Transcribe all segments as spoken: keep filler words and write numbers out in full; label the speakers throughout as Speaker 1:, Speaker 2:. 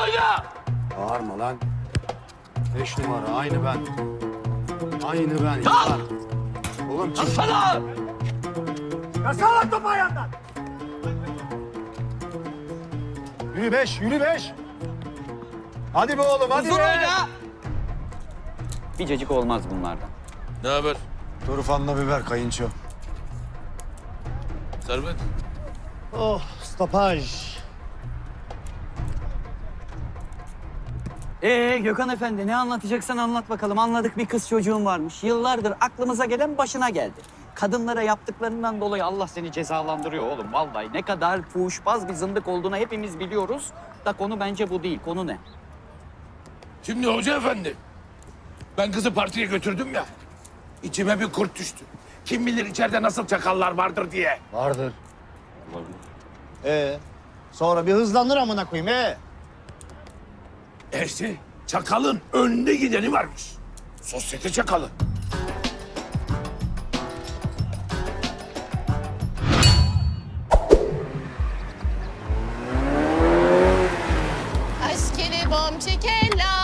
Speaker 1: oyna!
Speaker 2: Bağırma lan. Beş numara aynı ben. Aynı ben.
Speaker 1: Çal!
Speaker 2: Yılan. Oğlum çık.
Speaker 1: Sana!
Speaker 2: Yasal lan topu ayağından. Yürü beş, yürü beş. Hadi be oğlum, hadi
Speaker 1: Huzur
Speaker 2: be.
Speaker 1: oyna!
Speaker 3: Bir cacık olmaz bunlardan.
Speaker 1: Ne haber?
Speaker 2: Turufanla biber kayınço.
Speaker 1: Servet.
Speaker 2: Oh, stopaj.
Speaker 3: Ee Gökhan Efendi ne anlatacaksan anlat bakalım. Anladık bir kız çocuğun varmış. Yıllardır aklımıza gelen başına geldi. Kadınlara yaptıklarından dolayı Allah seni cezalandırıyor oğlum. Vallahi ne kadar fuhuşbaz bir zındık olduğunu hepimiz biliyoruz. Da konu bence bu değil. Konu ne?
Speaker 1: Şimdi hoca efendi, ben kızı partiye götürdüm ya. İçime bir kurt düştü. Kim bilir içeride nasıl çakallar vardır diye.
Speaker 2: Vardır.
Speaker 4: Ee, sonra bir hızlanır amına koyayım ee.
Speaker 1: E işte çakalın önde gideni varmış. Sosyete çakalı.
Speaker 5: Aşkele bom çekella.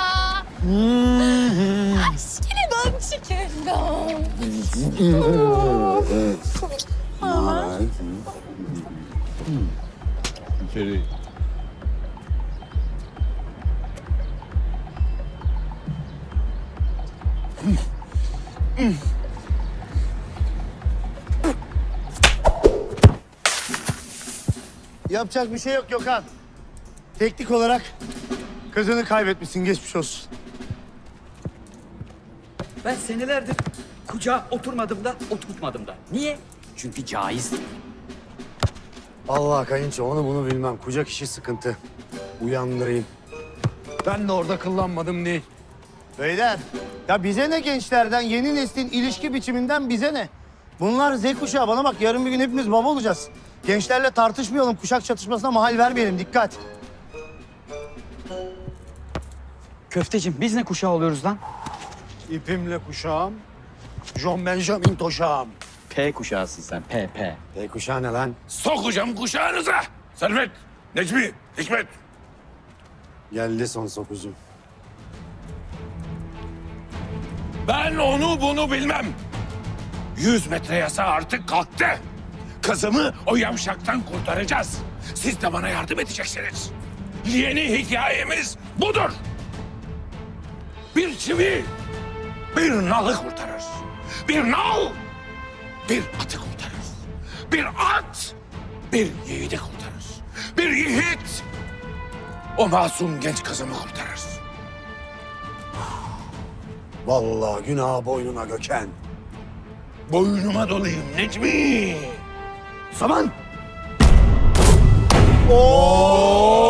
Speaker 5: Aşkele bom çekella.
Speaker 4: Yapacak bir şey yok Gökhan. Teknik olarak kızını kaybetmişsin, geçmiş olsun.
Speaker 3: Ben senelerdir kucağa oturmadım da oturtmadım da. Niye? Çünkü caiz değil.
Speaker 2: Allah kayınço onu bunu bilmem. Kucak işi sıkıntı. Uyandırayım. Ben de orada kıllanmadım değil.
Speaker 4: Beyler, ya bize ne gençlerden, yeni neslin ilişki biçiminden bize ne? Bunlar Z kuşağı, bana bak yarın bir gün hepimiz baba olacağız. Gençlerle tartışmayalım, kuşak çatışmasına mahal vermeyelim, dikkat.
Speaker 3: Köfteciğim biz ne kuşağı oluyoruz lan?
Speaker 2: İpimle kuşağım. John Benjamin toşağım.
Speaker 3: P kuşağısın sen. P, P.
Speaker 2: E kuşağı ne lan?
Speaker 1: Sokacağım kuşağınıza. Servet, Necmi, Hikmet.
Speaker 2: Geldi son sokucum.
Speaker 1: Ben onu bunu bilmem. Yüz metre yasa artık kalktı. Kızımı o yamşaktan kurtaracağız. Siz de bana yardım edeceksiniz. Yeni hikayemiz budur. Bir çivi bir nalı kurtarır. Bir nal bir atı kurtarır. Bir at bir yiğidi kurtarır. Bir yiğit o masum genç kızımı kurtarır.
Speaker 2: Vallahi günah boynuna Gökhan.
Speaker 1: Boynuma dolayım Necmi.
Speaker 2: Saman!
Speaker 1: Oo!